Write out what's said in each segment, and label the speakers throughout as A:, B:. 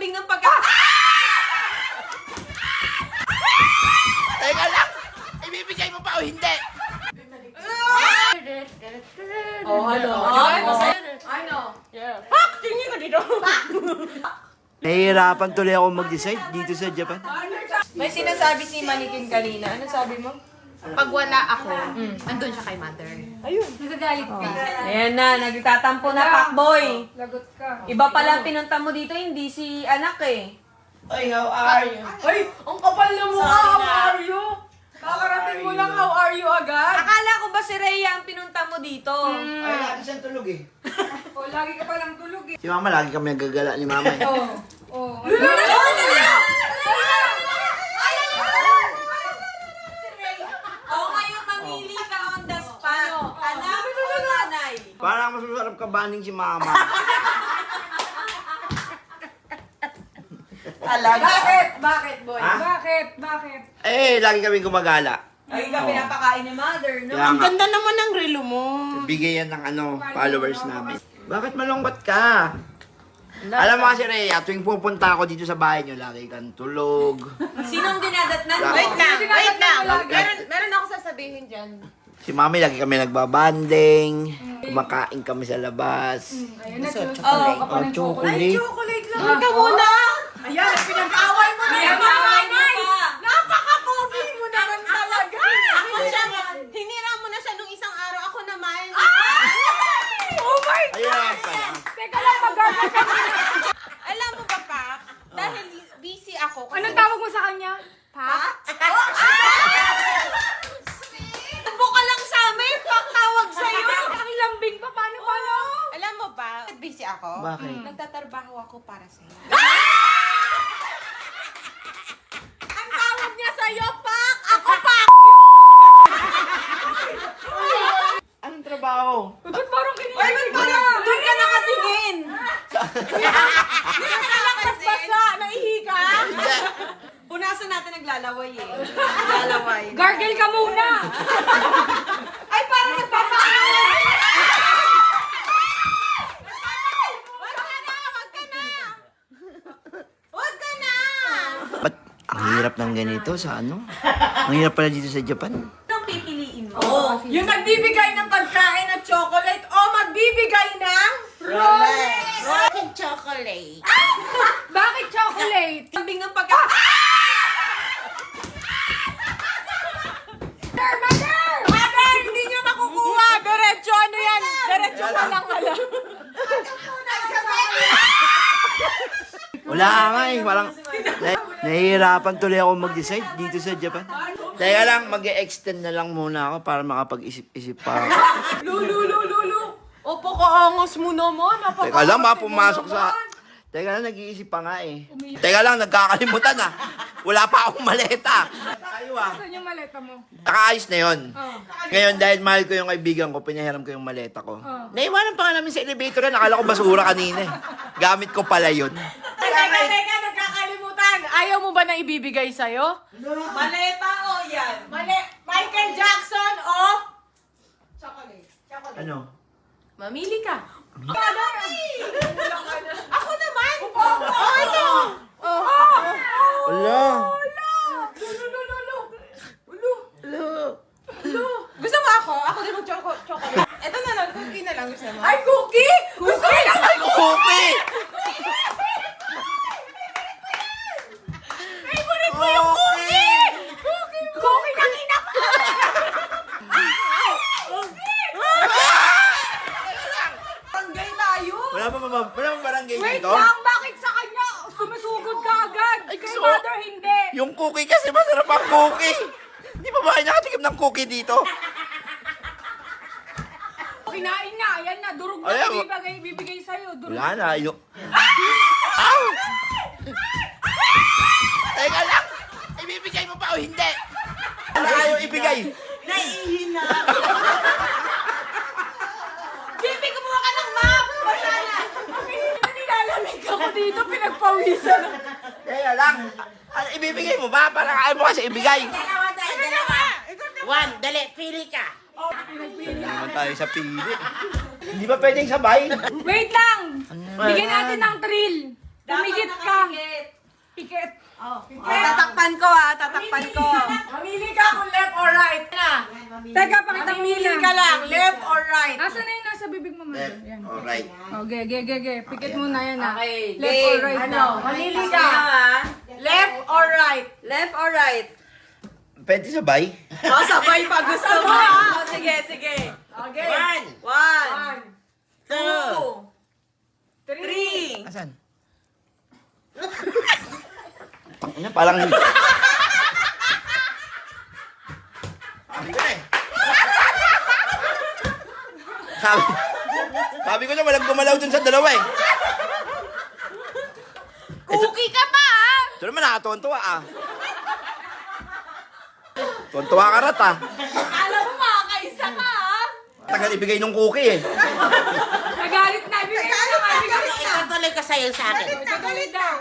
A: lambing ng pagka...
B: Teka lang! Ibibigay mo pa o hindi?
A: Oh, ano? Ano? Pak! Tingin ko dito.
B: Nahihirapan tuloy ako mag-decide dito sa Japan.
A: May sinasabi si Manikin kanina. Ano sabi mo?
C: Pag wala ako, andun siya kay mother.
A: Ayun.
C: Nagagalit ka.
A: Ayan na, nagtatampo na Pakboy.
C: Lagot ka.
A: Iba pala pinunta mo dito, hindi si anak eh.
B: Ay, how are you?
A: Ay, ang kapal na mukha. How are you? Kakarating mo lang, how are you agad? Akala ko ba si Rhea ang pinunta mo dito?
B: Ay, lagi siyang tulog eh.
C: O, lagi ka palang tulog eh.
B: Si mama, lagi kami nagagala ni mama eh.
C: Oh.
A: Oo, ngayon mamili ka on the spot. Anak o nanay?
B: Parang mas masarap kabaning si mama.
A: Talaga? Bakit, boy?
B: Ha?
C: Bakit?
B: Eh, lagi kami gumagala.
A: Ay, ka pinapakain ni mother, no?
B: Kaya nga,
D: Ganda naman ng relo mo.
B: bigay yan ng followers namin. Bakit malungkot ka? Alam mo kasi, Rhea, tuwing pupunta ako dito sa bahay niyo, lagi kang tulog.
A: Sinong dinadatnan mo?
B: Wait
D: Wait lang.
B: Lagi-
D: Meron ako sasabihin dyan.
B: Si mami, lagi kami nagbabanding. Kumakain kami sa labas.
C: Ayun na, chocolate.
B: Oh, chocolate.
A: Chocolate lang.
D: Ka muna!
C: Ayan, pinag-away mo na yung
A: Pinapakain
C: nanay.
A: mo pa.
C: Napaka-pogi mo naman talaga.
D: Hinira mo na siya nung isang araw. Ako naman.
C: Oh my
B: Ayan pala.
C: Teka lang, mag-gargle ka muna.
D: Alam mo ba, Pak? Dahil busy ako.
C: Anong tawag mo sa kanya? Pa?
A: Tubo ka lang sa amin, pagtawag sa'yo.
C: Ang lambing pa, paano?
D: Alam mo ba? Busy ako.
B: Bakit?
D: Nagtatrabaho ako para sa'yo.
A: Ang tawag niya sa'yo, Pak! Ako, Pak!
B: Anong trabaho?
C: Ba't parang
A: Ay,
C: kinikilig
A: ba't parang doon ka nakatingin? Doon ka lang basa, naihi ka? Punasan natin naglalaway eh. Naglalaway.
C: Gargle ka muna.
A: Ay, parang nagpapakain! Wag ka na!
B: Ba't ang hirap ng ganito sa ano? Ang hirap pala dito sa Japan.
A: Anong pipiliin mo? Yung nagbibigay ng pagkain at chocolate o magbibigay ng
D: Rocket chocolate.
C: Bakit chocolate?
A: lambing ng pagkain. Mother, hindi nyo nakukuha. Diretso, ano yan? Diretso ka lang, alam.
B: Wala nga eh. Walang... Nahihirapan tuloy ako mag-decide dito sa Japan. Teka lang, mag-extend na lang muna ako para makapag-isip-isip pa ako.
A: Lulu. Opo, kaangos mo naman.
B: Teka lang, pumasok sa... Teka lang, nag-iisip pa nga eh. Teka lang, nagkakalimutan ah. Wala pa akong maleta. Tayo ah.
C: Saan yung maleta mo?
B: Nakaayos na yun. Ngayon, dahil mahal ko yung kaibigan ko, pinahiram ko yung maleta ko. Naiwanan pa nga namin sa elevator na. Nakala ko basura kanina eh. Gamit ko pala yun.
A: Teka, nagkakalimutan. Ayaw mo ba na ibibigay sa'yo? Maleta o yan? Michael Jackson o? Chocolate.
B: Ano?
D: Mamili ka.
A: Ako naman!
D: Ito!
B: Wala.
D: Gusto mo ako? Ako din mag-chocolate. Ito na lang. Cookie na lang. Gusto mo?
A: Ay, cookie! Gusto ko lang!
B: Cookie!
A: Favorite mo yung cookie! Cookie ng ina ko! Barangay tayo!
B: Wala pa barangay
C: Wait
B: dito?
C: lang, bakit sa kanya? Sumusugod ka agad. Kay
B: gusto-
C: mother, hindi.
B: Yung cookie kasi masarap ang cookie. Di ba ba kayo nakatikim ng cookie dito?
C: Kinain na, ayan na, durog na
B: Ayan,
C: bibigay sa'yo. Durog.
B: Wala na. Yung... Ow! Teka lang! Ibibigay mo pa o hindi? Ano ayaw ibigay?
A: Naiihina! Bibi, kumuha ka ng map! Masala! Nilalamig ako dito, pinagpawisan.
B: Teka lang. Ano, ibibigay mo ba? Parang ayaw mo kasi ibigay.
D: One, dali. Pili ka.
B: Hindi naman tayo sa pili. Hindi ba pwedeng sabay?
C: Wait lang! Bigyan natin ng thrill. Tumigit ka.
D: Tatakpan ko tatakpan ko.
A: Mamili ka kung left or right na.
C: Teka, pakita mo
A: Mamili
C: muna.
A: ka lang, left or right.
C: Asan na yung nasa bibig mo, Mother? Yan.
B: Alright.
C: Okay, ge. Pikit muna yan, ha?
D: Okay,
C: Left or
D: game.
C: right
A: Ano?
C: na?
A: Mamili ka. Left or right?
D: Left or right?
B: Pwede sabay?
D: Sabay pa gusto mo. Sige.
A: Okay.
D: One.
B: 2.
D: 3.
B: Asan? Tangina, parang... Sabi ko na eh. Sabi ko na walang gumalaw dun sa dalawa eh.
A: Cookie ka pa, ah!
B: Ito naman nakatuwan-tuwa ah. Tuwan-tuwa ka rat ah.
A: Alam mo, makakaisa ka, ah!
B: Tagal ibigay nung cookie eh.
C: Nagalit na. Bigay na.
E: Itutuloy ka sa'yo sa akin.
C: Galit daw.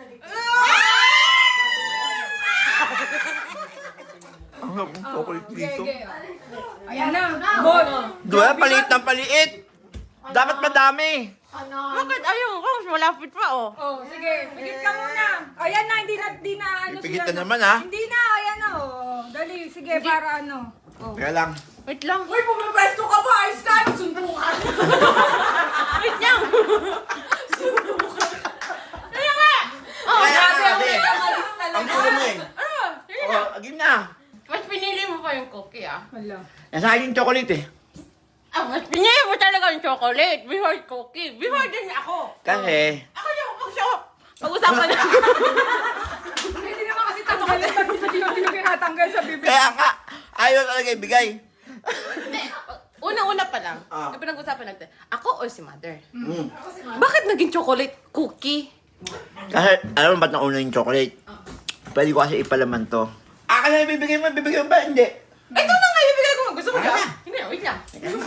B: Ang chocolate dito.
C: Ayan na. Bon.
B: Diba, paliit ng paliit. Dapat madami.
D: Bakit ayun ko? Malapit pa
C: Oh, sige. Pikit ka muna. Ayan na, hindi na ano
B: Pipigit
C: sila,
B: na
C: no?
B: naman ah.
C: Hindi na, ayan na, oh. Dali, sige, para ano. Oh.
B: Kaya lang.
A: Wait lang. Uy, pumipwesto ka pa! Ayos ka! Sundukan! Wait lang! Sundukan! Kaya nga! Oh,
B: Kaya
A: grabe
B: nga,
A: ang
B: eh.
A: pinamalis talaga.
B: Ang gulo mo eh.
A: Ano? Sige na.
B: Oh, agim na.
A: Mas pinili mo pa yung cookie, ah.
C: Wala.
B: Nasa akin yung chocolate eh.
A: Ah, mas pinili mo talaga yung chocolate. Before cookie. Before din ako.
B: Kasi,
A: Ako yung pag-usapan na.
C: Hindi naman kasi tanggalin. Hindi naman tinatanggal sa bibig.
B: kaya nga, ayaw talaga ibigay.
A: Una-una pa lang.
B: Ah.
A: Yung pinag-usapan natin. Ako o si Mother?
B: Mm.
A: Bakit naging chocolate cookie?
B: Kasi, alam mo ba't nauna yung chocolate? Pwede ko kasi ipalaman to. Akin na ibibigay mo ba? Hindi.
A: Ito na nga ibigay ko. Gusto mo ka? Hindi, wait lang.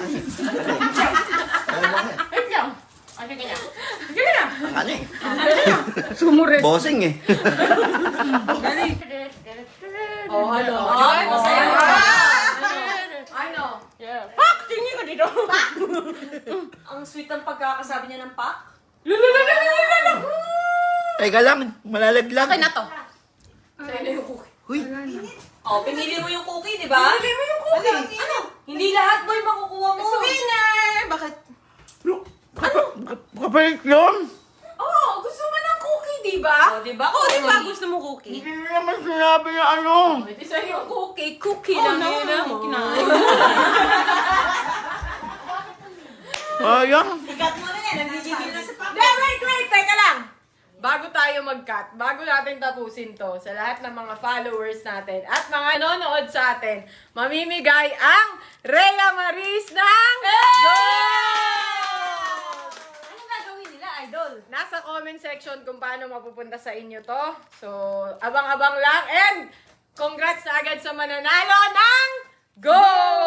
A: Wait lang. Ano ka niya? Sige na.
B: Ano eh?
C: Sumurit.
B: Bossing eh.
A: Oh, hello.
D: Ay, masaya ka.
A: Ano? Yeah. Pak! Tingin ka dito.
D: Ang sweet ang pagkakasabi niya ng pak.
B: Teka lang, malalaglag.
A: Okay na to.
B: Huy,
D: Pinili mo yung cookie, di ba? Pinili mo yung cookie. Ano? Hindi lahat boy makukuha mo.
A: Sabihin na. Bakit?
B: kapalit yun.
A: Oh, gusto mo ng cookie, di ba?
D: Di ba? Di ba gusto mo cookie?
B: Hindi naman sinabi na ano.
A: Ito sa'yo yung cookie. Cookie lang yun ah. Kinain.
B: Ayang.
D: Ikat mo na yan. Nagigigil na sa pak.
A: Wait. Teka lang. Bago tayo mag-cut, bago natin tapusin to, sa lahat ng mga followers natin at mga nanonood sa atin, mamimigay ang Rhea Maris ng Gold!
D: Anong gagawin nila, idol?
A: Nasa comment section kung paano mapupunta sa inyo to. So, abang-abang lang and congrats na agad sa mananalo ng Gold!